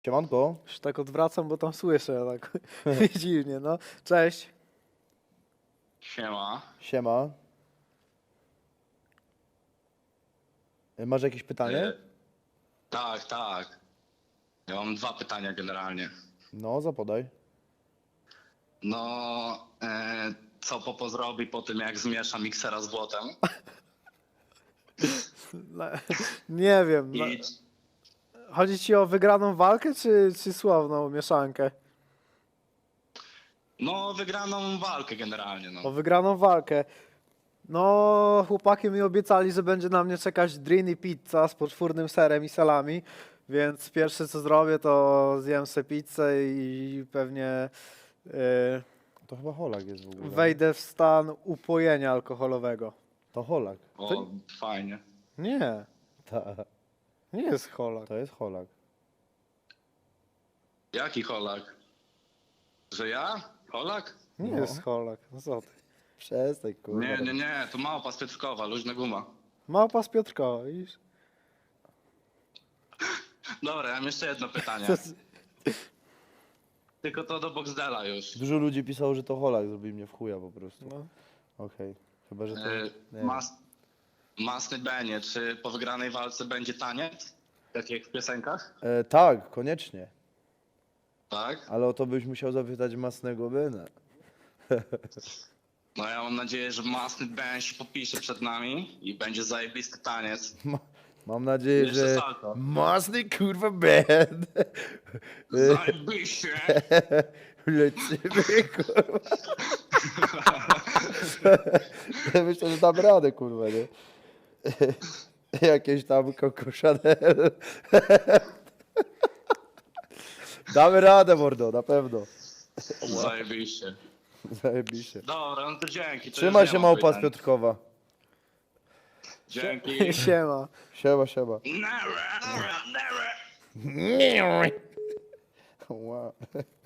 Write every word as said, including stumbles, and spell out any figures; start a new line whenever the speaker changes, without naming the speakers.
Siemanko.
Już tak odwracam, bo tam słyszę, tak dziwnie, no. Cześć.
Siema.
Siema. E, Masz jakieś pytanie?
E, tak, tak. Ja mam dwa pytania generalnie.
No, zapodaj.
No, e, co Popo zrobi po tym, jak zmiesza miksera z błotem?
No, nie wiem. No.
I,
Chodzi ci o wygraną walkę, czy, czy słowną mieszankę?
no, wygraną walkę generalnie,
O
no.
wygraną walkę. No, chłopaki mi obiecali, że będzie na mnie czekać drini pizza z poczwórnym serem i salami, więc pierwsze co zrobię, to zjem sobie pizzę i pewnie yy,
To chyba Holak jest w ogóle.
wejdę w stan upojenia alkoholowego.
To Holak.
O,
To-
fajnie.
Nie,
Ta,
nie jest cholak.
to jest Holak.
Jaki Holak? Że ja? Holak?
Nie
No.
jest cholak, no co ty.
Przestań, kurwa.
Nie, nie, nie, to małpa z Piotrkowa, luźna guma.
Małpa z Piotrkowa, widzisz?
Dobra, ja mam jeszcze jedno pytanie.
To z-
Tylko to do Boxdela już.
Dużo ludzi pisało, że to Holak zrobi mnie w chuja po prostu.
No.
Okej. Chyba, że to...
E,
nie
mas, masny Benie, czy po wygranej walce będzie taniec? Tak jak w piosenkach?
e, tak, koniecznie.
Tak?
Ale o to byś musiał zapytać Masnego Bena.
No ja mam nadzieję, że Masny Ben się popisze przed nami i będzie zajebisty taniec.
Ma, mam nadzieję,
Jeszcze
że...
salto.
Masny kurwa Ben.
Zajebiście!
Lecimy, kurwa. Myślę, że dam radę, kurwa, nie? Jakieś tam Coco Chanel. Damy radę, mordo, na pewno.
Zajebiście.
Zajebiście.
Dobra, no to dzięki. To
Trzymaj
już
się,
nie mam
małpa z
pytań.
Piotrkowa.
Dzięki.
Siema.
Siema, siema.
Never, never, never.
Wow.